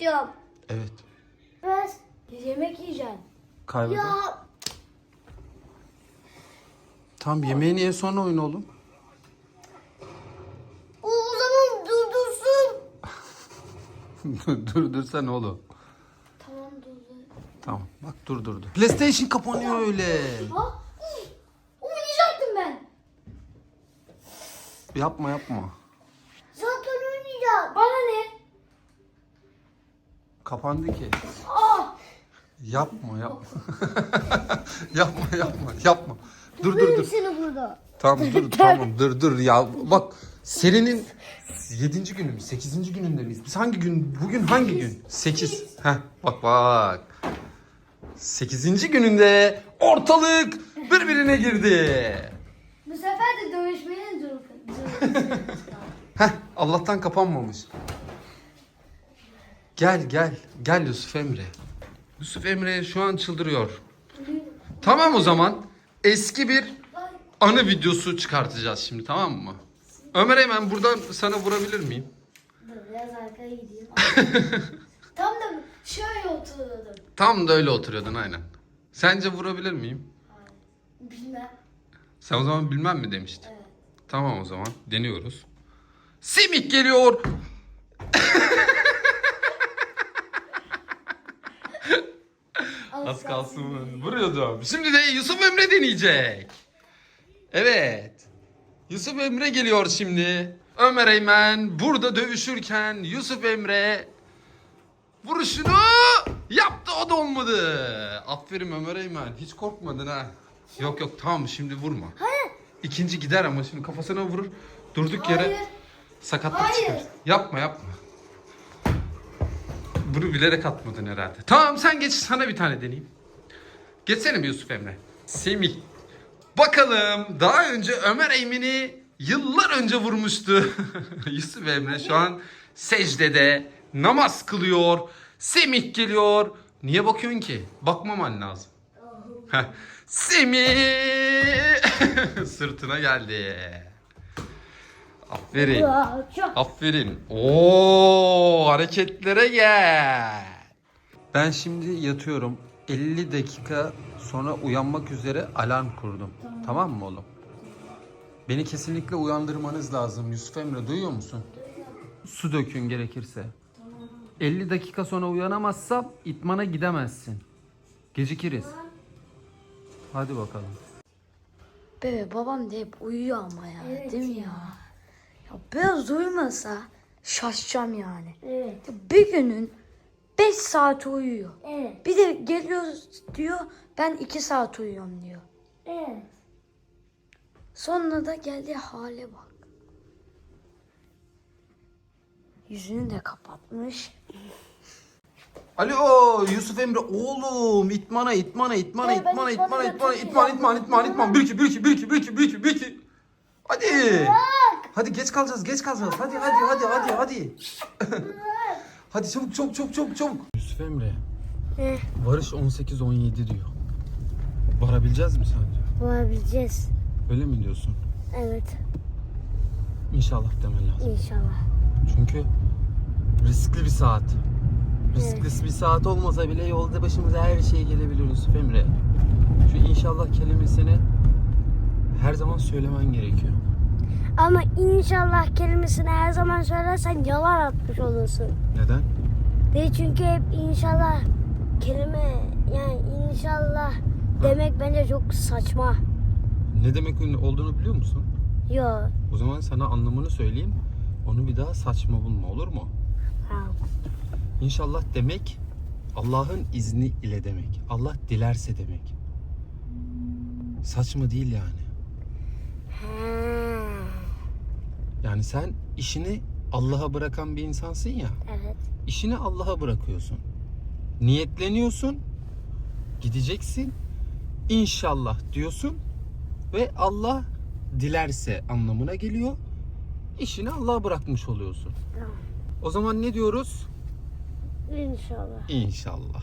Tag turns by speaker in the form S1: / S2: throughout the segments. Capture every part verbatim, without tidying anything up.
S1: istiyorum.
S2: Evet.
S1: Ben yemek yiyeceğim.
S2: Kaybeder.
S1: Ya
S2: Tamam, yemeğini ye, sonra oyun oğlum.
S1: o, o zaman durdursun.
S2: dur dur sen oğlum.
S1: Tamam durdur.
S2: Tamam bak, dur durdu. PlayStation kapanıyor öyle.
S1: Ha? Uf, oynayacaktım ben.
S2: Yapma yapma.
S1: Zaten oynayacağım. Bana ne?
S2: Kapandı ki.
S1: Aa,
S2: Yapma yapma. yapma yapma yapma. Dur dur dur.
S1: seni burada.
S2: Tamam dur tamam dur dur ya. Bak serinin yedinci günü mü? sekizinci gününde miyiz? Biz hangi gün? Bugün hangi gün? sekiz. Heh bak bak. sekizinci gününde ortalık birbirine girdi.
S1: Bu sefer de dövüşmeye dur.
S2: Heh Allah'tan kapanmamış. Gel gel. Gel Yusuf Emre. Yusuf Emre şu an çıldırıyor. Tamam o zaman eski bir anı videosu çıkartacağız şimdi, tamam mı? Ömer, hemen buradan sana vurabilir miyim?
S1: Dur biraz arkaya gideyim. Tam da şöyle oturuyordum.
S2: Tam da öyle oturuyordun aynen. Sence vurabilir miyim?
S1: Bilmem.
S2: Sen o zaman bilmem mi demiştin?
S1: Evet.
S2: Tamam o zaman deniyoruz. Simik geliyor. Az kalsın vuruyordum. Şimdi de Yusuf Emre deneyecek. Evet. Yusuf Emre geliyor şimdi. Ömer Eymen burada dövüşürken Yusuf Emre vuruşunu yaptı, o da olmadı. Aferin Ömer Eymen, hiç korkmadın ha. Yok yok tamam, şimdi vurma.
S1: Hayır.
S2: İkinci gider ama şimdi kafasına vurur. Durduk yere
S1: Hayır.
S2: sakatlık
S1: Hayır.
S2: çıkar. Yapma yapma. Bunu bilerek atmadın herhalde. Tamam sen geç, sana bir tane deneyeyim. Geçsene mi Yusuf Emre? Semih. Bakalım daha önce Ömer Eymen'i yıllar önce vurmuştu. Yusuf Emre şu an secdede namaz kılıyor. Semih geliyor. Niye bakıyorsun ki? Bakmaman lazım. Heh. Semih sırtına geldi. Aferin.
S1: Ya, çok.
S2: Aferin. Oo, hareketlere gel. Ben şimdi yatıyorum. elli dakika sonra uyanmak üzere alarm kurdum. Tamam, tamam mı oğlum? Beni kesinlikle uyandırmanız lazım. Yusuf Emre, duyuyor musun? Su dökün gerekirse.
S1: Tamam.
S2: elli dakika sonra uyanamazsam itmana gidemezsin. Gecikiriz. Hadi bakalım.
S3: Bebe babam da hep uyuyor ama ya,
S1: Evet
S3: değil mi
S1: ya.
S3: ya? Ya biraz uyumasa şaşacağım yani.
S1: Evet.
S3: Ya bir günün beş saat uyuyor.
S1: Evet.
S3: Bir de geliyor diyor ben iki saat uyuyorum diyor.
S1: Evet.
S3: Sonra da geldiği hale bak. Yüzünü de kapatmış.
S2: Alo Yusuf Emre, oğlum itmana itmana itmana
S1: Hayır, ben
S2: itmana
S1: itmana
S2: itmana itmana
S1: götürmeyeceğim.
S2: itman itman itman itman bir iki bir iki bir iki bir iki bir iki bir iki. Hadi. Hadi geç kalacağız geç kalacağız. Hadi hadi hadi hadi hadi. Hadi çabuk çabuk çabuk çabuk çabuk. Yusuf Emre.
S1: Eh,
S2: Varış on sekiz on yedi diyor. Varabileceğiz mi sence?
S1: Varabileceğiz.
S2: Öyle mi diyorsun?
S1: Evet.
S2: İnşallah demen lazım.
S1: İnşallah.
S2: Çünkü riskli bir saat. Riskli bir saat olmasa bile yolda başımıza her şey gelebilir Yusuf Emre. Şu inşallah kelimesini her zaman söylemen gerekiyor.
S1: Ama inşallah kelimesini her zaman söylersen yalan atmış olursun.
S2: Neden?
S1: Değil çünkü hep inşallah kelime yani inşallah demek bence çok saçma.
S2: Ne demek olduğunu biliyor musun?
S1: Yo.
S2: O zaman sana anlamını söyleyeyim. Onu bir daha saçma bulma, olur mu?
S1: Ha.
S2: İnşallah demek Allah'ın izni ile demek. Allah dilerse demek. Saçma değil yani.
S1: Ha.
S2: Yani sen işini Allah'a bırakan bir insansın ya.
S1: Evet.
S2: İşini Allah'a bırakıyorsun. Niyetleniyorsun. Gideceksin. İnşallah diyorsun. Ve Allah dilerse anlamına geliyor. İşini Allah'a bırakmış oluyorsun.
S1: Tamam.
S2: O zaman ne diyoruz?
S1: İnşallah.
S2: İnşallah.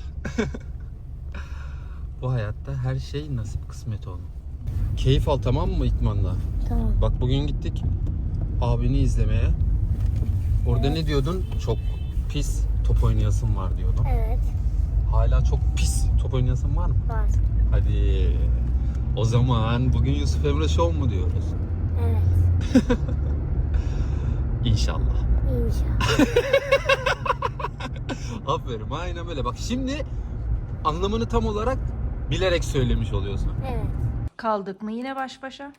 S2: Bu hayatta her şey nasip kısmet oğlum. Keyif al, tamam mı itmanla?
S1: Tamam.
S2: Bak bugün gittik abini izlemeye. Orada ne diyordun? Çok pis, top oynayasın var diyordun.
S1: Evet.
S2: Hala çok pis top oynayasın var mı?
S1: Var.
S2: Hadi. O zaman bugün Yusuf Emre Show mu diyoruz?
S1: Evet.
S2: İnşallah.
S1: İnşallah.
S2: Aferin, aynen böyle. Bak şimdi anlamını tam olarak bilerek söylemiş oluyorsun.
S1: Evet.
S3: Kaldık mı yine baş başa?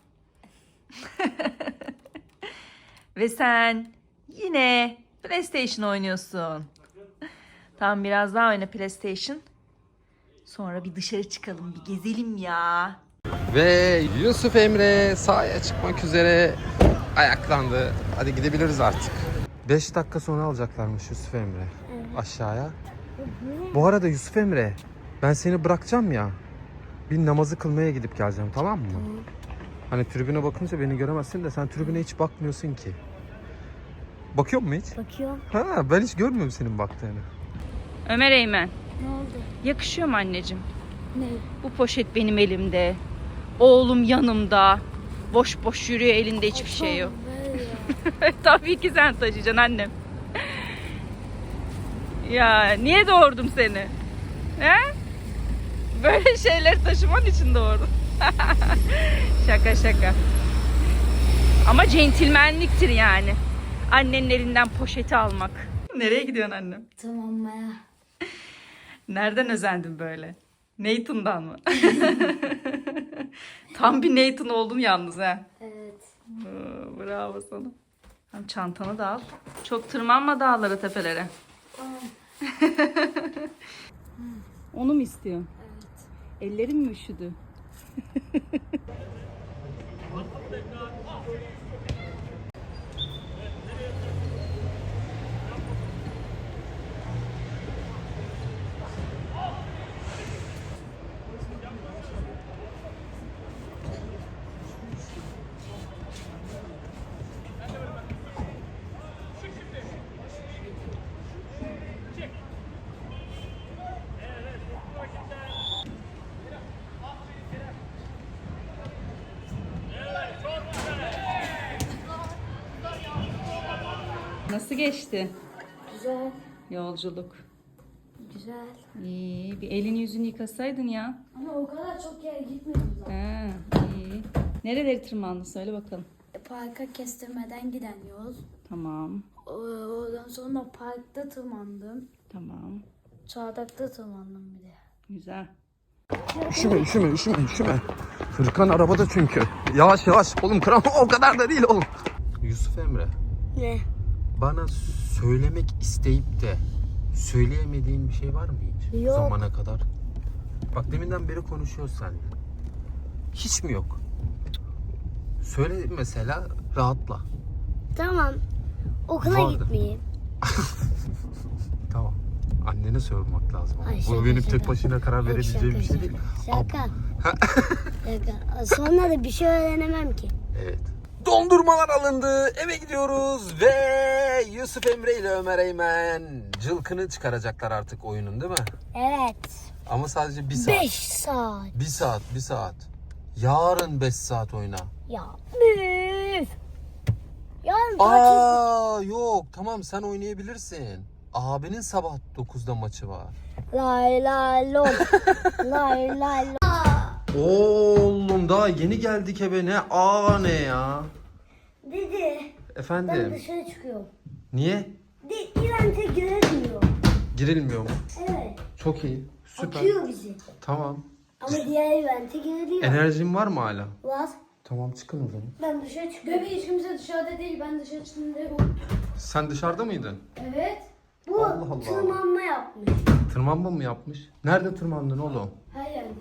S3: Ve sen yine PlayStation oynuyorsun. Tamam, biraz daha oyna PlayStation. Sonra bir dışarı çıkalım, bir gezelim ya.
S2: Ve Yusuf Emre sahaya çıkmak üzere ayaklandı. Hadi gidebiliriz artık. beş dakika sonra alacaklarmış Yusuf Emre aşağıya. Bu arada Yusuf Emre, ben seni bırakacağım ya. Bir namazı kılmaya gidip geleceğim, tamam mı?
S1: Tamam.
S2: Hani tribüne bakınca beni göremezsin de sen tribüne hiç bakmıyorsun ki. Bakıyor musun hiç?
S1: Bakıyorum.
S2: Ha, ben hiç görmüyorum senin baktığını.
S3: Ömer Eymen,
S1: Ne oldu?
S3: yakışıyor mu anneciğim?
S1: Ne?
S3: Bu poşet benim elimde. Oğlum yanımda. Boş boş yürüyor, elinde hiçbir şey yok. Tabii ki sen taşıyacaksın annem. Ya niye doğurdum seni? He? Böyle şeyler taşıman için doğurdum. Şaka şaka. Ama centilmenliktir yani. Annenin elinden poşeti almak. Nereye gidiyorsun annem?
S1: Tamam Maya.
S3: Nereden özendin böyle? Nathan'dan mı? Tam bir Nathan oldun yalnız ha.
S1: Evet.
S3: Oo, bravo sana. Hem çantanı da al. Çok tırmanma dağlara, tepelere.
S1: Tamam.
S3: Onu mu istiyorsun?
S1: Evet.
S3: Ellerim mi üşüdü? Nasıl geçti
S1: Güzel.
S3: yolculuk?
S1: Güzel.
S3: İyi, bir elini yüzünü yıkasaydın ya.
S1: Ama o kadar çok yer gitmedim zaten.
S3: Ha, iyi. Nereleri tırmandın söyle bakalım.
S1: Parka kestirmeden giden yol.
S3: Tamam,
S1: O- Oradan sonra parkta tırmandım.
S3: tamam.
S1: Çardakta tırmandım bir de.
S3: Güzel.
S2: Üşüme, üşüme, üşüme, üşüme. Fırkan arabada çünkü. Yavaş yavaş. Oğlum kram o kadar da değil oğlum. Yusuf Emre,
S1: Ne?
S2: bana söylemek isteyip de söyleyemediğin bir şey var mı hiç? Bu
S1: Yok.
S2: zamana kadar. Bak deminden beri konuşuyoruz seninle. Hiç mi yok? Söyle mesela, rahatla.
S1: Tamam. Okula
S2: Vardı.
S1: gitmeyeyim.
S2: Tamam. Annene sormak lazım. ama.
S1: Ay,
S2: Bu
S1: şaka,
S2: benim
S1: şaka.
S2: tek başına karar
S1: Yok,
S2: verebileceğim bir
S1: şaka,
S2: şey değil.
S1: Şaka. Şaka. Sonra da bir şey öğrenemem ki.
S2: Evet. Dondurmalar alındı. Eve gidiyoruz ve Yusuf Emre ile Ömer Eymen cılkını çıkaracaklar artık oyunun, değil mi?
S1: Evet.
S2: Ama sadece bir saat.
S1: Beş saat.
S2: Bir saat, bir saat. Yarın beş saat oyna.
S1: Ya. Üf. Yarın tatil.
S2: Aa yok, tamam sen oynayabilirsin. Abinin sabah dokuzda maçı var.
S1: Lay lay lom. Lay lay lom.
S2: Oğlum daha yeni geldik eve, ne aa ne ya?
S1: Dedi. Ben
S2: Efendim?
S1: dışarı çıkıyorum.
S2: Niye?
S1: De, İrem'te girilmiyor.
S2: Girilmiyor mu?
S1: Evet.
S2: Çok iyi. Süper.
S1: Atıyor bizi.
S2: Tamam.
S1: Ama diğer evente giriliyor.
S2: Enerjin var mı hala?
S1: Var.
S2: Tamam, çıkın o zaman.
S1: Ben dışarı çıkıyorum. Bebeği hiç kimse dışarıda değil. Ben dışarı çıktığımda yok.
S2: Sen dışarıda mıydın?
S1: Evet. Bu
S2: Allah Allah.
S1: tırmanma yapmış.
S2: Tırmanma mı yapmış? Nerede tırmandın oğlum?
S1: Her yerde.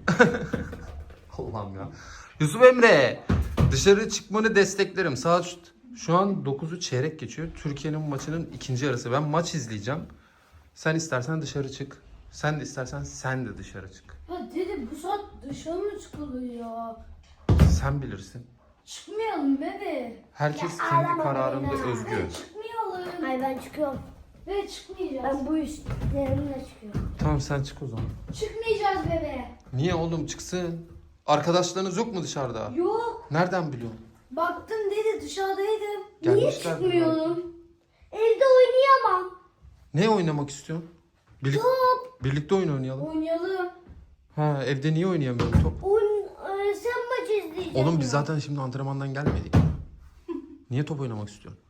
S2: Allah'ım ya. Yusuf Emre, dışarı çıkmanı desteklerim. Saat şu, şu an dokuzu çeyrek geçiyor. Türkiye'nin maçının ikinci yarısı. Ben maç izleyeceğim. Sen istersen dışarı çık. Sen de istersen sen de dışarı çık.
S1: Ya dede bu saat dışarı mı çıkılıyor?
S2: Sen bilirsin.
S1: Çıkmayalım bebe.
S2: Herkes kendi kararında özgür.
S1: Çıkmayalım. Hayır ben çıkıyorum. Ve çıkmayacağız. Ben bu üstlerimle çıkıyorum.
S2: Tamam sen çık o zaman.
S1: Çıkmayacağız bebe.
S2: Niye oğlum, çıksın? Arkadaşlarınız yok mu dışarıda?
S1: Yok.
S2: Nereden biliyorsun?
S1: Baktım dedi dışarıdaydım.
S2: Gelmişler
S1: Niye çıkmıyorum? Evde oynayamam.
S2: Ne oynamak istiyorsun? Birlik, birlikte oyun oynayalım.
S1: Oynayalım.
S2: Ha, evde niye oynayamıyorum top?
S1: Oyun, e, sen maç izleyeceksin.
S2: Oğlum biz
S1: ya.
S2: zaten şimdi antrenmandan gelmedik. Niye top oynamak istiyorsun?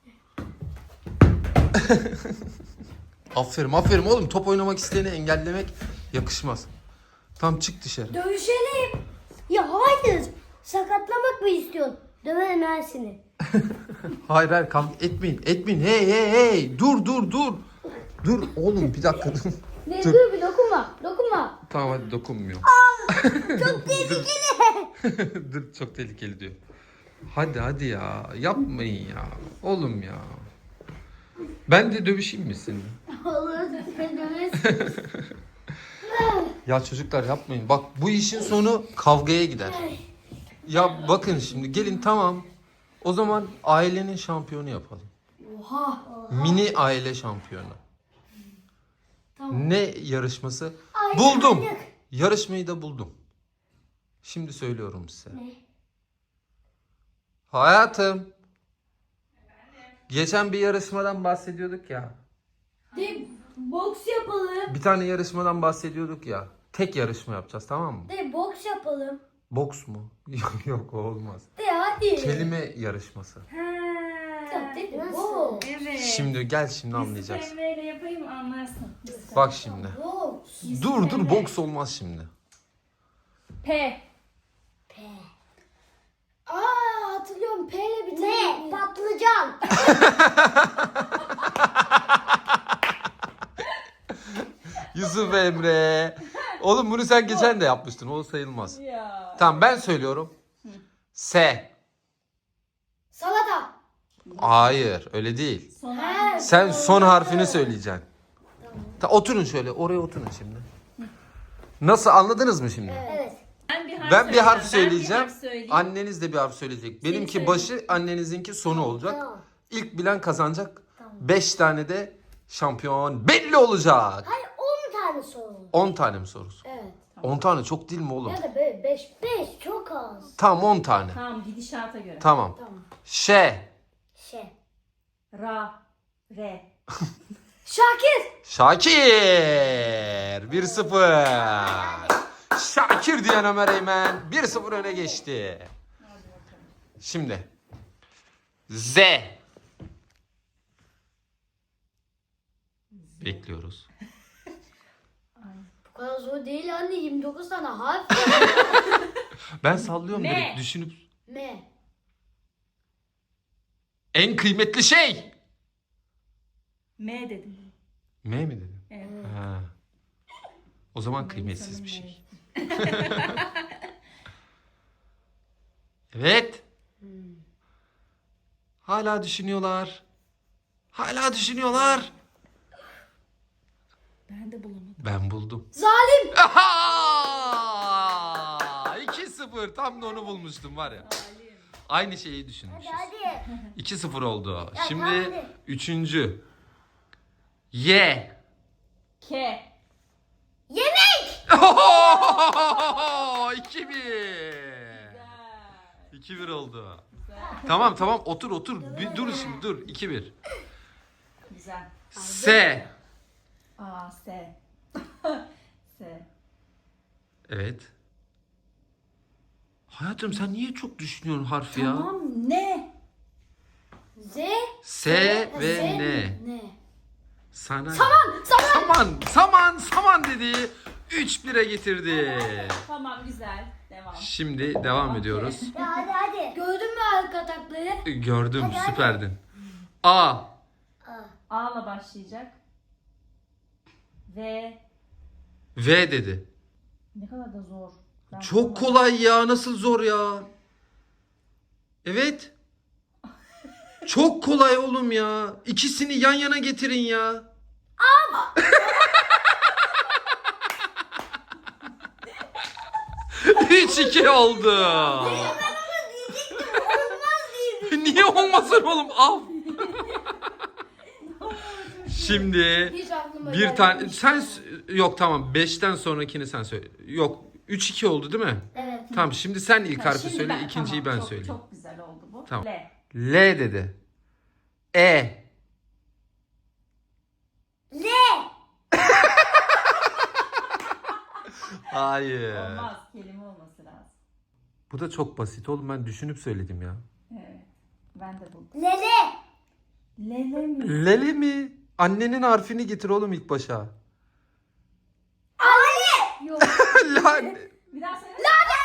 S2: Aferin aferin oğlum, top oynamak isteyeni engellemek yakışmaz. Tamam, çık dışarı.
S1: Dövüşelim. Ya hayır. Sakatlamak mı istiyorsun? Döverim ben seni.
S2: Hayır hayır, kavga etmeyin etmeyin, hey hey hey, dur dur dur. Dur oğlum, bir dakika dur.
S1: Ne
S2: Dur.
S1: dur bir dokunma. Dokunma.
S2: Tamam hadi, dokunmuyor.
S1: Çok tehlikeli.
S2: Dur, çok tehlikeli diyor. Hadi hadi ya, yapmayın ya. Oğlum ya. Ben de dövüşeyim mi seninle?
S1: Olur. Sen döversin.
S2: Ya çocuklar yapmayın. Bak, bu işin sonu kavgaya gider. Ya bakın şimdi, gelin tamam. O zaman ailenin şampiyonu yapalım.
S1: Oha.
S2: Mini aile şampiyonu.
S1: Tamam.
S2: Ne yarışması?
S1: Ay,
S2: Buldum.
S1: manyak.
S2: Yarışmayı da buldum. Şimdi söylüyorum size.
S1: Ne?
S2: Hayatım. Geçen bir yarışmadan bahsediyorduk ya.
S1: De boks yapalım.
S2: Bir tane yarışmadan bahsediyorduk ya. Tek yarışma yapacağız, tamam mı?
S1: De boks yapalım.
S2: Boks mu? Yok yok, o olmaz.
S1: De hadi.
S2: Kelime yarışması.
S1: Ya, de boks.
S3: Evet.
S2: Şimdi gel, şimdi
S3: Yusuf
S2: anlayacaksın.
S3: Emre ile yapayım anlarsın.
S2: Bak şimdi.
S1: Boks.
S2: Dur dur, boks olmaz şimdi.
S3: P.
S1: P. Aa, hatırlıyorum. P ile bir tane. Ne? Patlıcan.
S2: Yusuf Emre. Oğlum bunu sen geçen de yapmıştın. O sayılmaz.
S3: Ya.
S2: Tamam, ben söylüyorum. S.
S1: Salata.
S2: Hayır, öyle değil.
S3: Son
S1: He.
S2: Sen son harfini söyleyeceksin. Ta, oturun şöyle. Oraya oturun şimdi. Nasıl, anladınız mı şimdi?
S1: Evet.
S3: Ben bir harf
S2: Ben bir harf
S3: söyleyeceğim.
S2: söyleyeceğim.
S3: Ben bir harf söyleyeyim.
S2: Anneniz de bir harf söyleyecek. Benimki
S3: söyle.
S2: başı, annenizinki sonu olacak.
S1: Tamam.
S2: İlk bilen kazanacak. Beş tane de şampiyon belli olacak.
S1: Hayır, on tane sorun.
S2: On tane mi sorusu?
S1: Evet.
S2: On tane çok değil mi oğlum?
S1: Ya da böyle beş. Beş çok az.
S2: Tamam, on tane.
S3: Tamam, gidişata göre.
S2: Tamam.
S1: Tamam.
S2: Ş.
S1: Şey.
S3: Ra. Re.
S1: Şakir.
S2: Şakir. bir sıfır. Şakir diyen Ömer Eymen bir sıfır öne geçti. Şimdi. Z. Bekliyoruz.
S1: Bu kadar zor değil anne. yirmi dokuz tane harf.
S2: Ben sallıyorum
S3: Ne?
S2: direkt, düşünüp.
S1: M.
S2: En kıymetli şey.
S3: M dedim.
S2: M mi dedin?
S3: Evet.
S2: Ha. O zaman kıymetsiz bir şey. Evet. Hala düşünüyorlar. Hala düşünüyorlar.
S3: Ben de bulamadım.
S2: Ben buldum.
S1: Zalim.
S2: Aha! iki sıfır. Tam da onu bulmuştum var ya. Aynı şeyi düşünmüşüz.
S1: Hadi.
S2: iki sıfır oldu.
S1: Ya,
S2: Şimdi
S1: hadi.
S2: üçüncü. Y.
S3: K.
S1: Yemek.
S2: iki bir. iki bir oldu. Tamam tamam, otur otur. Bir dur şimdi, dur. iki bir.
S3: Güzel.
S2: S.
S3: A. S. S.
S2: Evet. Hayatım, sen niye çok düşünüyorsun harfi ya?
S3: Tamam, ne?
S1: Z.
S2: S ve
S1: Z.
S2: N.
S1: Ne?
S2: Sana.
S1: Saman. Saman.
S2: Saman, saman, saman dedi. üç bire getirdi.
S3: Tamam, güzel. Devam.
S2: Şimdi devam ediyoruz.
S1: Ya hadi hadi. Gördün mü arka takları?
S2: Gördüm,
S1: Hadi, hadi.
S2: süperdin. A.
S1: Aa.
S3: A'la başlayacak. V.
S2: V dedi.
S3: Ne kadar da zor. Ben
S2: Çok
S3: bulamadım.
S2: kolay ya, nasıl zor ya? Evet. Çok kolay oğlum ya. İkisini yan yana getirin ya. üç iki oldu. Niye olmasın oğlum? Al. Şimdi
S1: Hiç aklıma
S2: bir
S1: gelmedi.
S2: tane sen s- yok tamam, beşten sonrakini sen söyle. Yok, üç iki oldu değil mi?
S1: Evet.
S2: Tamam, şimdi sen ilk
S3: Ha,
S2: harfi
S3: şimdi
S2: söyle,
S3: ben-
S2: ikinciyi
S3: tamam,
S2: ben
S3: çok,
S2: söyleyeyim.
S3: Çok güzel oldu bu.
S2: Tamam.
S3: L.
S2: L dedi. E. Hayır.
S3: Olmaz. Kelime olması lazım.
S2: Bu da çok basit oğlum. Ben düşünüp söyledim ya.
S3: Evet. Ben de buldum.
S1: Lele.
S3: Lele mi?
S2: Lele mi? Annenin harfini getir oğlum ilk başa.
S1: Anne. Yok.
S2: Lan.
S3: Bir daha söyle.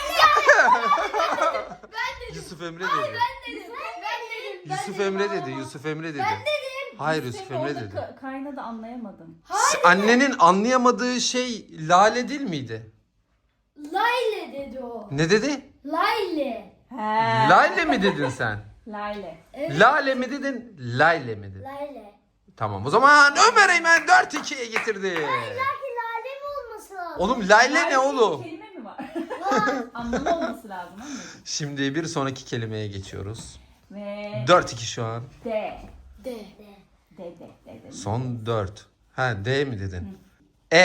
S2: Yusuf Emre dedi.
S1: Ben dedim. Ben dedim.
S2: Yusuf Emre dedi. Yusuf Emre dedi.
S1: Ben dedim.
S2: Hayır Yusuf
S3: Senin
S2: Emre
S3: orada
S2: dedi.
S3: ka- kaynadı anlayamadım.
S2: Annenin anlayamadığı şey Lale değil miydi?
S1: Layle dedi o.
S2: Ne dedi?
S1: Layle.
S3: He.
S2: Lale mi dedin sen?
S3: Lale.
S1: Evet.
S2: Lale mi dedin? Layle mi dedin?
S1: Layle.
S2: Tamam o zaman Ömer Eymen dört ikiye getirdi.
S1: Belki lale mi olması lazım?
S2: Oğlum Layle ne
S3: Lale
S2: oğlum?
S3: diye kelime mi var?
S1: Var.
S3: Anlamı olması lazım anladın?
S2: Şimdi bir sonraki kelimeye geçiyoruz.
S3: Ve
S2: dört iki şu an.
S3: D.
S1: De. De.
S3: D D D D.
S2: Son dört. Ha D mi dedin? E.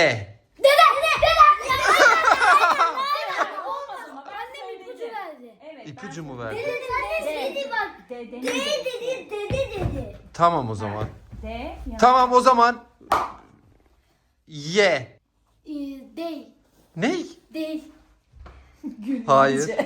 S3: Olmaz ama ben
S1: Annem ipucu
S3: söyledim.
S1: verdi.
S3: Evet.
S2: İpucu
S3: ben
S2: mu
S1: Dede
S2: verdi?
S1: sen dedi bak.
S3: D, D,
S1: De dedi, dede dedi.
S2: Tamam o zaman.
S3: D. yanlış.
S2: Tamam o zaman. Y.
S1: Ee, değil.
S2: Ney?
S1: Değil.
S3: Gül
S2: Hayır.
S3: bence.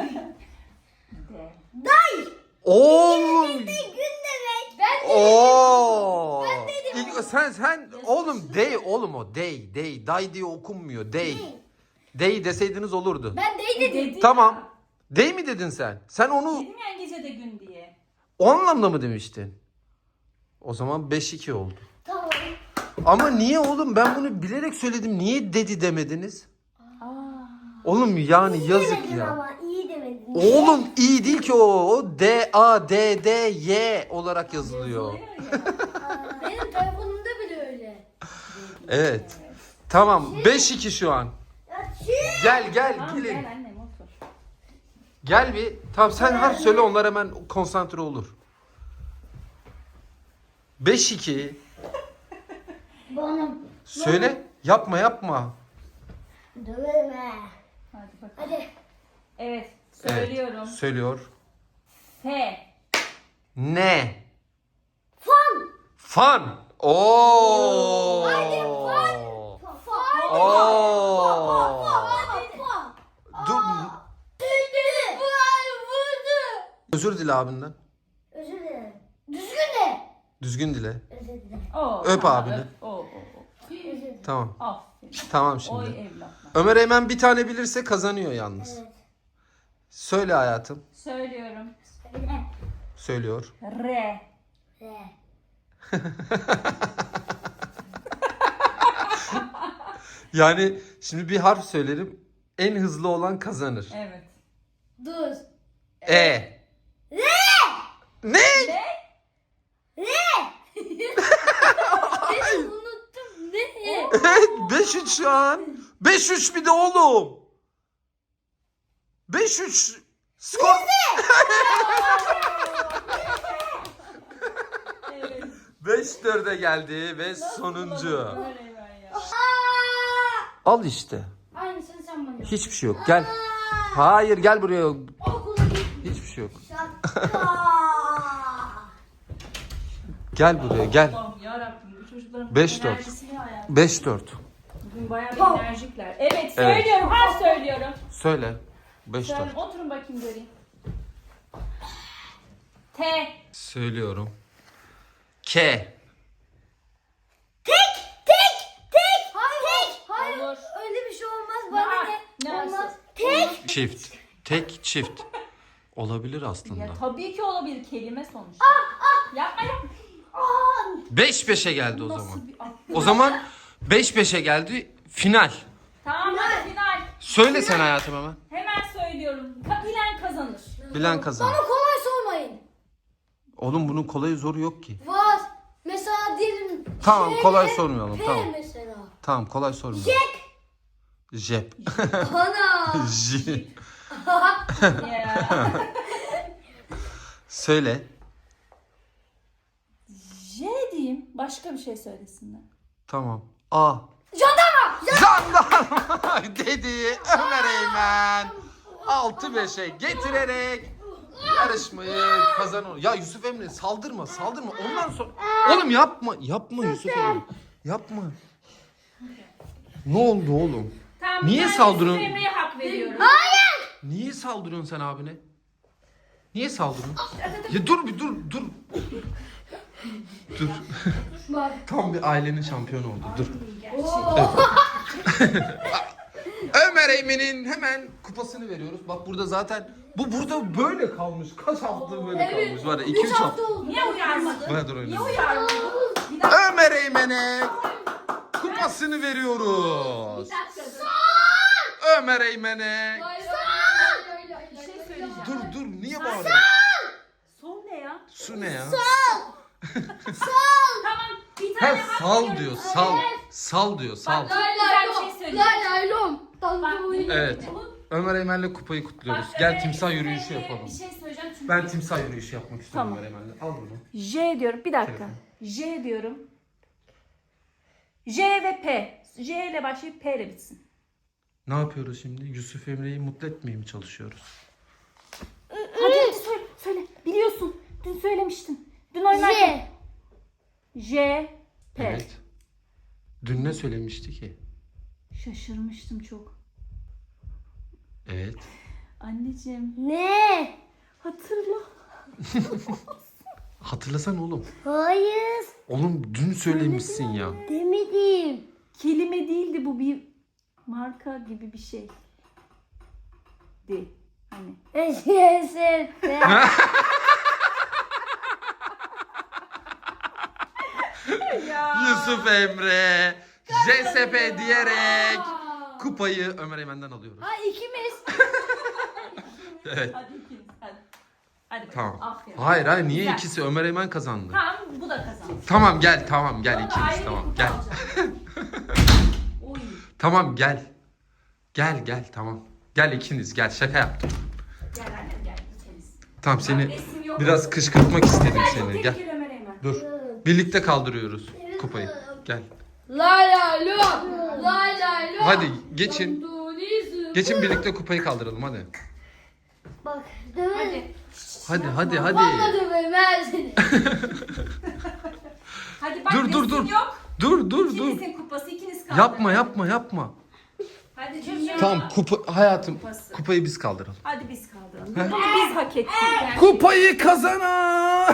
S3: D.
S2: Oğlum.
S1: Gün demek. Ben
S2: Oo.
S1: Ben dedim.
S2: İlk- sen sen oğlum dey oğlum o dey dey day diye okunmuyor dey. Dey deseydiniz olurdu.
S1: Ben değil dedim.
S3: Dedi
S2: Tamam.
S3: ya.
S2: Dey mi dedin sen? Sen onu
S3: Dedim ya gece de gün diye.
S2: o anlamda mı demiştin? O zaman beş iki oldu.
S1: Tamam.
S2: Ama niye oğlum ben bunu bilerek söyledim. Niye dedi demediniz?
S3: Aa.
S2: Oğlum yani yazık
S1: Demedin
S2: ya.
S1: ama iyi demedin.
S2: Oğlum iyi değil ki o. O D A D D Y olarak yazılıyor.
S3: Yazılıyor ya.
S1: Aa, benim telefonumda bile öyle.
S2: Evet. Tamam beş iki şu an.
S1: Ya çiğ.
S2: Gel gel
S3: Tamam
S2: gelin.
S3: gel annem otur.
S2: Gel bir. Tamam sen harf söyle onlar hemen konsantre olur. beş iki.
S1: Bana
S2: Söyle. Yapma yapma.
S1: döverim he.
S3: Hadi bakalım.
S1: Hadi.
S3: Evet
S2: Evet,
S3: söylüyorum.
S2: söylüyor.
S3: F.
S2: Ne?
S1: Fan.
S2: Fan. Oo.
S1: Hadi fan. Fan.
S2: Oo.
S1: Hadi fan.
S2: Dur.
S1: Düzdü. Vurdu.
S2: Özür dile abinden.
S1: Özür dilerim. Düzgün de.
S2: Düzgün dile.
S1: Özür dilerim.
S3: Oo,
S2: Öp
S3: tamam,
S2: abini.
S3: öp. Oo, oo, oo.
S1: Özür dilerim.
S2: Tamam.
S3: Aferin.
S2: Tamam
S3: Oy
S2: şimdi.
S3: evlatlar.
S2: Ömer Eymen bir tane bilirse kazanıyor yalnız.
S1: Evet.
S2: Söyle hayatım.
S3: Söylüyorum.
S2: Söylüyor.
S3: R.
S1: Re.
S2: Yani şimdi bir harf söylerim. En hızlı olan kazanır.
S3: Evet.
S1: Dur.
S2: E. Ne?
S3: Ne?
S1: Beni unuttum. Ne?
S2: Evet beş üç şu an. beş üç bir de oğlum. beş üç. Skor.
S3: Evet.
S2: beş dörde geldi ve sonuncu.
S3: Ömer Eymen ya.
S2: Al işte.
S1: Aynısını sen bana yap.
S2: Hiçbir şey yok. Gel. Hayır gel buraya.
S1: Okula git.
S2: Hiçbir şey yok.
S1: Şaka.
S2: Gel buraya gel.
S3: Allah'ım yarabbim bu çocukların
S2: Beş dört.
S3: enerjisi ne hayatım?
S2: beş dört.
S3: Bugün bayağı bir
S1: Tamam.
S3: enerjikler. Evet söylüyorum. Harf söylüyorum.
S2: Söyle. beş
S3: Söyle,
S2: dört.
S3: oturun bakayım göreyim. T.
S2: Söylüyorum. K.
S1: Tek. Hayır. Hayır.
S3: Olur.
S1: Öyle bir şey olmaz.
S3: Ne
S1: Bana
S3: var?
S1: ne?
S3: Ne
S1: Olmaz.
S3: var?
S1: Tek.
S2: Çift. Tek çift. Olabilir aslında.
S3: Ya tabii ki olabilir kelime sonuçta. Yapma yapma.
S2: beş beşe geldi o
S3: Nasıl
S2: zaman.
S3: bir akıl?
S2: O zaman beş beşe geldi. Final.
S3: Tamam hadi final.
S2: Söyle sen hayatım hemen.
S3: Hemen söylüyorum. Ka- Bilen kazanır.
S2: Bilen kazanır.
S1: Bana kolay sormayın.
S2: Oğlum bunun kolayı zoru yok ki.
S1: Var. Mesela diyelim.
S2: Tamam,
S1: şeyle
S2: kolay sormayalım,
S1: P
S2: tamam.
S1: mesela.
S2: Tamam kolay sorma.
S1: Jack.
S2: Jep.
S1: Ana.
S2: J.
S3: Ya.
S2: Söyle.
S3: J diyeyim. Başka bir şey söylesinler.
S2: Tamam. A.
S1: Jandarma.
S2: Jandarma dedi Ömer Eymen. altı beşe getirerek yarışmayı kazanıyor. Ya Yusuf Emre saldırma saldırma ondan sonra. Oğlum yapma yapma Yusuf Emre. Yapma. Ne oldu oğlum?
S3: Tamam Tamam,
S2: Niye
S3: bir tane
S2: saldırıyorsun?
S3: Yusuf Emre'ye hak veriyorum.
S2: Niye saldırıyorsun sen abine? Niye saldırıyorsun? Ya dur bir dur dur. Dur. Tam bir ailenin şampiyonu oldu. Dur. Evet. Ömer Eymen'in hemen kupasını veriyoruz. Bak burada zaten bu burada böyle kalmış. Kaç hafta böyle kalmış var ya. iki üç hafta.
S3: Niye uyarmadın?
S2: Bana dur öyle.
S3: Niye uyarmadın? Bir dakika.
S2: Ömer Eymen'e kupasını veriyoruz.
S3: Bir dakika.
S2: Ömer Eymen'e.
S3: Bir şey söyleyeceğim.
S2: Dur dur niye bağırıyorsun?
S3: Son ne ya?
S2: Su ne ya?
S3: Tamam. Bir
S2: Ha,
S3: tane hak
S2: sal
S3: veriyorum.
S2: diyor sal. Sal diyor sal.
S3: Bak, çok güzel bir şey söyleyeceğim. Bak,
S2: Evet.
S3: bu-
S2: Ömer Eymen'le kupayı kutluyoruz.
S3: bak,
S2: Gel
S3: Ömer
S2: timsah
S3: Eymen'e
S2: yürüyüşü yapalım.
S3: Bir şey söyleyeceğim çünkü.
S2: Ben timsah yürüyüşü yapmak istiyorum
S3: Tamam.
S2: Ömer Eymen'le. Al bunu.
S3: J diyorum. Bir dakika.
S2: Telefon.
S3: J diyorum. J ve P. J ile başlayıp P ile bitsin.
S2: Ne yapıyoruz şimdi? Yusuf Emre'yi mutlu etmeye mi çalışıyoruz?
S3: Hadi hadi söyle. Söyle. Biliyorsun. Dün söylemiştin. Dün oynarken. J. P.
S2: Evet. Dün ne söylemişti ki?
S3: Şaşırmıştım çok.
S2: Evet.
S3: Anneciğim.
S1: Ne?
S3: Hatırla.
S2: Hatırlasan oğlum.
S1: Hayır.
S2: Oğlum dün söylemişsin ya.
S1: Demedim.
S3: Kelime değildi bu, bir marka gibi bir şey. De. Hani.
S1: Eşeğe
S2: Yusuf Emre J S P diyerek kupayı Ömer Eymen'den alıyoruz.
S1: Ha ikimiz.
S2: Evet.
S3: Hadi ikiniz hadi. Hadi bakalım.
S2: Tamam.
S3: Aferin.
S2: Hayır hayır niye
S3: Güzel.
S2: ikisi? Ömer Eymen kazandı.
S3: Tamam, bu da kazandı.
S2: Tamam gel tamam gel
S3: Sonra ayrı
S2: ikimiz
S3: bir
S2: tamam
S3: kupa
S2: gel.
S3: alacağım. Oy.
S2: Tamam gel. Gel gel tamam. Gel ikiniz gel şaka yaptım.
S3: Gel annem gel ikiniz.
S2: Tamam seni
S3: resim yok.
S2: biraz kışkırtmak istedim
S3: Gel,
S2: seni.
S3: tek
S2: Gel.
S3: gel Ömer Eymen.
S2: Dur. Birlikte kaldırıyoruz kupayı. Gel.
S1: Lay lay lom. Lay lay lom.
S2: Hadi geçin. Geçin birlikte kupayı kaldıralım hadi.
S1: Bak döverim.
S3: Hadi.
S2: Hadi hadi hadi.
S1: Valla döverim ben seni.
S3: Hadi bak,
S2: Dur dur
S3: resim
S2: dur.
S3: yok.
S2: Dur dur dur.
S3: İkinizin kupası, ikiniz kaldı.
S2: Yapma yapma yapma.
S3: Hadi dünya.
S2: Tamam kupa hayatım
S3: Kupası.
S2: kupayı biz kaldıralım.
S3: Hadi biz kaldıralım. Bunu biz hak ettik. Yani.
S2: Kupayı kazanan.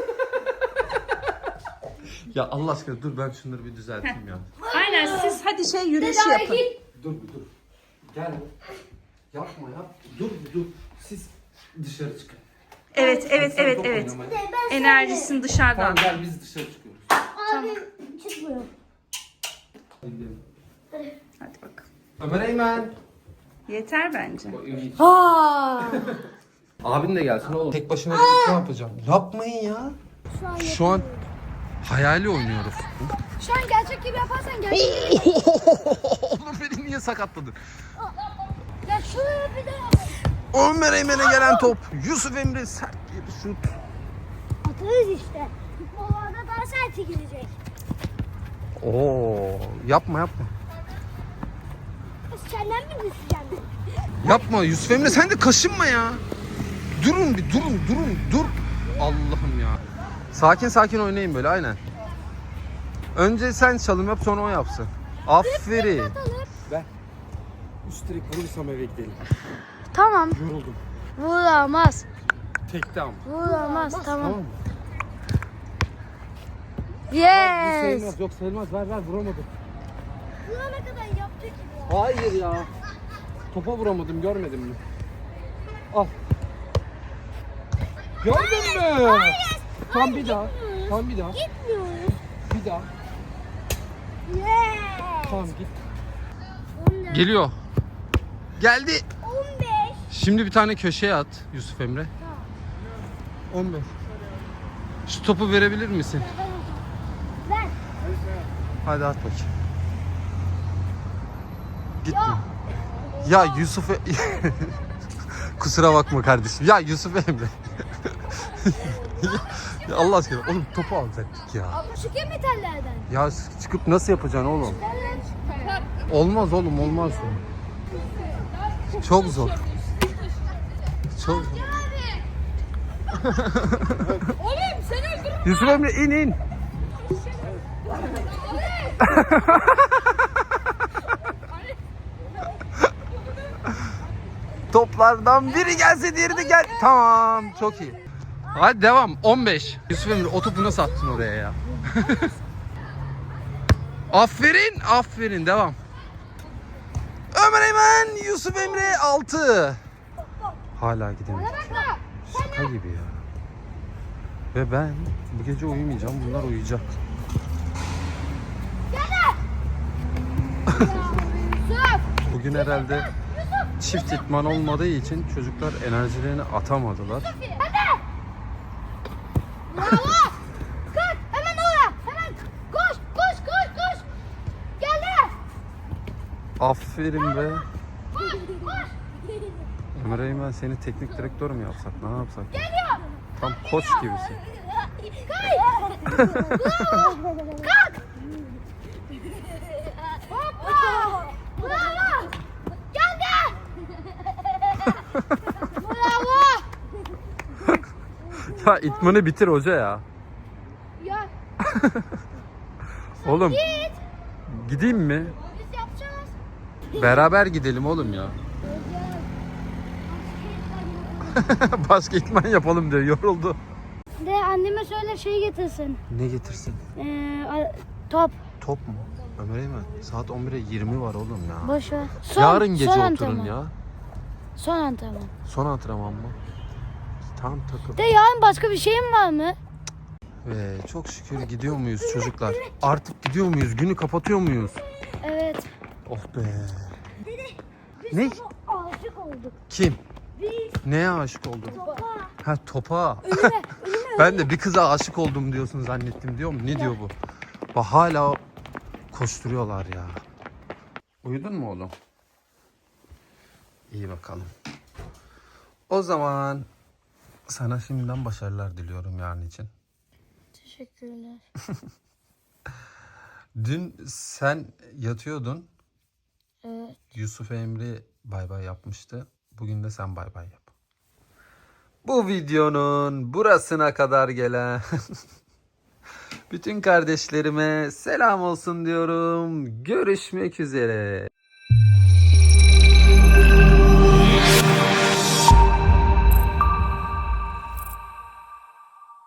S2: Ya Allah aşkına dur ben şunları bir düzelteyim ya.
S3: Aynen, siz hadi şey yürüyüşü yapın.
S2: Dur bir dur. Gel. Yapma yap. Dur bir dur. Siz dışarı çıkın.
S3: Evet evet
S2: Sen
S3: evet
S2: top
S3: evet.
S2: oynamaya.
S3: Enerjisini dışarıdan.
S2: Tamam gel biz dışarı çıkıyoruz.
S1: Abi çıkmıyor.
S2: Hadi gidelim.
S3: Hadi bakalım.
S2: Ömer Eymen.
S3: Yeter bence.
S1: Ha.
S2: Abin de gelsin oğlum. Tek başına gidip ne yapacağım? Yapmayın ya.
S1: Şu an,
S2: Şu an hayali oynuyoruz.
S1: şu an gerçek gibi yaparsan gerçek.
S2: Oğlum beni niye sakatladın?
S1: Ya şuraya bir de yap.
S2: Ömer Eymen'e gelen top. Yusuf Emre sert bir şut.
S1: Atarız işte. Futbollarda daha sert gidecek.
S2: Oo, yapma yapma.
S1: Senden mi düşeceğim?
S2: Yapma Yusuf Emre sen de kaşınma ya. Durun bir durun durun dur. Allah'ım ya. Sakin sakin oynayın böyle aynen. Önce sen çalım yap sonra o yapsın. Aferin.
S4: Ben üst direk vurursam eve gidelim.
S1: Tamam.
S4: Yoruldum.
S1: Vuramaz.
S4: Tekte ama.
S1: Vuramaz. Tamam.
S4: Tamam mı? Bu
S1: Yes.
S4: sayılmaz. Yok sayılmaz. Ver ver vuramadım.
S1: Vurana kadar yaptık gibi.
S4: Hayır ya. Topa vuramadım görmedin mi? Al. Gördün mü? Tam bir daha. Tam bir daha.
S1: Gitmiyoruz.
S4: Bir daha.
S1: Yes.
S4: Tamam git.
S2: Geliyor. Geldi.
S1: on beş.
S2: Şimdi bir tane köşeye at Yusuf Emre. on beş. Şu topu verebilir misin?
S1: Ver.
S2: Hadi at bakayım. Gitme. Ya Yusuf E- Kusura bakma kardeşim. Ya Yusuf Emre. ya Allah aşkına oğlum topu alacaktık ya.
S1: Ama şu kim metallerden?
S2: Ya çıkıp nasıl yapacaksın oğlum? Olmaz oğlum olmaz. Çok zor. Çok zor.
S1: Oğlum seni öldürürüm.
S2: Yusuf Emre in in. toplardan biri gelse diğeri de gel. Tamam, çok iyi. Hadi devam. on beş. Yusuf Emre o topu nasıl attın oraya ya? Aferin, aferin. Devam. Ömer Eymen, Yusuf Emre altı. Hala gidemedik. Şaka gibi ya. Ve ben bu gece uyumayacağım. Bunlar uyuyacak. Bugün herhalde çift itman olmadığı için çocuklar enerjilerini atamadılar.
S1: Bravo. Kalk hemen oraya. Hemen koş koş koş koş. Geldi.
S2: Aferin be.
S1: Koş koş.
S2: Ömer Eymen seni teknik direktör mü yapsak? Ne yapsak?
S1: Geliyor.
S2: Tam koç gibisin.
S1: Kay. Bravo. Kalk. Hoppa. Bravo. Geldi. Bravo.
S2: Ya itmanı bitir hoca ya.
S1: Ya
S2: Oğlum
S1: git.
S2: gideyim mi?
S1: Biz yapacağız.
S2: Beraber gidelim oğlum ya. Başka itman yapalım diyor. Yoruldu.
S1: De anneme söyle şey getirsin.
S2: Ne getirsin?
S1: Ee, a- top.
S2: Top mu? Ömer Eymen saat on bire yirmi var oğlum ya.
S1: Boş ver. Son,
S2: Yarın gece
S1: son
S2: oturun
S1: antrenman.
S2: ya.
S1: Son antrenman.
S2: Son antrenman mı? Tam takıl.
S1: De yarın başka bir şeyin var mı?
S2: Ve çok şükür gidiyor muyuz çocuklar? Artık gidiyor muyuz? Günü kapatıyor muyuz?
S1: Evet.
S2: Oh be. Ne?
S1: Aşık olduk.
S2: Kim?
S1: Biz
S2: Neye aşık oldun?
S1: topa.
S2: Ha topa. Ben de bir kıza aşık oldum diyorsun zannettim diyor mu? Ne diyor bu? Bak hala koşturuyorlar ya. Uyudun mu oğlum? İyi bakalım. O zaman sana şimdiden başarılar diliyorum yarın için.
S1: Teşekkürler.
S2: Dün sen yatıyordun.
S1: Evet.
S2: Yusuf Emre bay bay yapmıştı. Bugün de sen bay bay yap. Bu videonun burasına kadar gelen bütün kardeşlerime selam olsun diyorum. Görüşmek üzere.